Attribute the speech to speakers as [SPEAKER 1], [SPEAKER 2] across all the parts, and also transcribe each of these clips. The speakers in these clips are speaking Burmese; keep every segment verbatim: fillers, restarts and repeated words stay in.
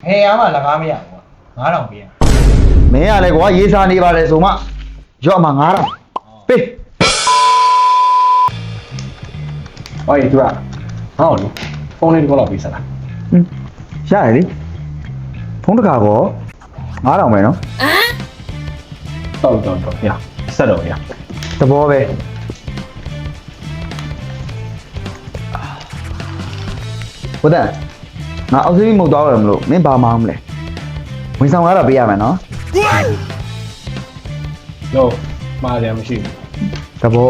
[SPEAKER 1] ဟဲ့အားမလကားမရဘူးငါးတောင်ပေးရ
[SPEAKER 2] မင်းကလည်းကွာရေးစားနေပါတယ်ဆိုမှရော့မှာငါးတောင်ပေး
[SPEAKER 3] ဟောဒီသူကဟောလေဖုန်းလေးတစ်ခုလောက်ပေးစလား
[SPEAKER 2] ဟင်းရတယ်လေဖုန်းတကာကောငါးတောင်ပဲနော်
[SPEAKER 3] တော့တော့တော့ရဆက်တော့ရ
[SPEAKER 2] သဘောပဲဟုတ်တယ်ငါအောက်စီးမုတ်သွားရမလို့မင်းဘာမှမလဲဝင်ဆောင်ကတော့ပေးရမယ်နော်
[SPEAKER 3] လို့မှားတယ်မရှိဘူး
[SPEAKER 2] သဘော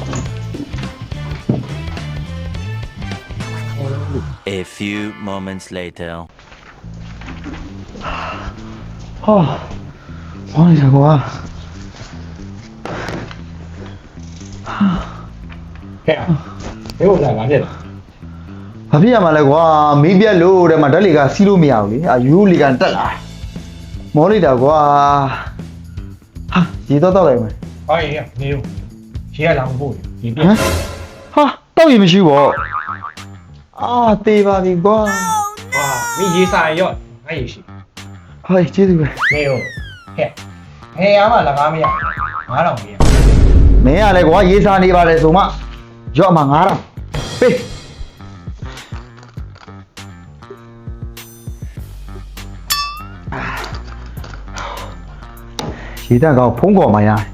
[SPEAKER 4] A few moments later
[SPEAKER 2] ဟာဘာလဲကွာ
[SPEAKER 3] ဟဲ့ဘယ်လိုလဲငါဖြစ်လား
[SPEAKER 2] ဘာဖြစ်ရမှာလဲကွာမီးပြက်လို့တဲ့မှာဓာတ်လေကစီးလို့မရဘူးလေအာယူလီကန်တက်လာမောလိုက်တာကွာဟာရေတော့တော့လိုက်မယ်
[SPEAKER 1] ဟောရေနေဦးရေကလာမဖို့ရေပြ
[SPEAKER 2] ဟမ်ဟာတော့ရေမရှိဘောအာတေးပါပြီကွာ
[SPEAKER 1] ဟာမင်းရေစာရော့ငါရေရှိ
[SPEAKER 2] ဟေးကျေးဇူးပဲ
[SPEAKER 1] နေဦးဟဲ့ဟဲ့အားမလကားမရငါးတောင်ပေးရ
[SPEAKER 2] မင်းကလည်းကွာရေးစားနေပါတယ်ဆိုမှရော့မှာငါးတောင်ပေးရေတက်ကောင်ဖုံးကော်မှာရတယ်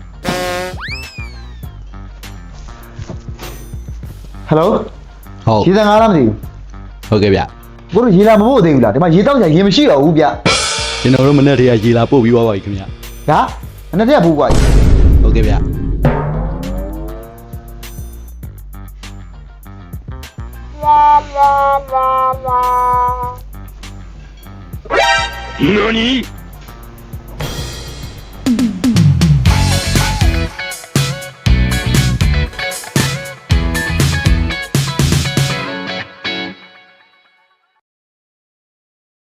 [SPEAKER 2] ဟယ်လို
[SPEAKER 5] ဟုတ်
[SPEAKER 2] ရေတက်ငါးလားမသိဘူး
[SPEAKER 5] ဟုတ်ကဲ့ဗျ
[SPEAKER 2] ကိုတို့ရေလာမဖို့သေးဘူးလားဒီမှာရေတောက်ကြရေမရှိတော့ဘူးဗျ
[SPEAKER 5] ကျွန်တော်တို့မနေ့တည်းကရေလာပို့ပြီးသွားပါပြီခင်ဗျ
[SPEAKER 2] ဒါအနှစ်တည်းဘူးကွာ
[SPEAKER 5] ဟုတ်ကဲ့ဗျ
[SPEAKER 4] 何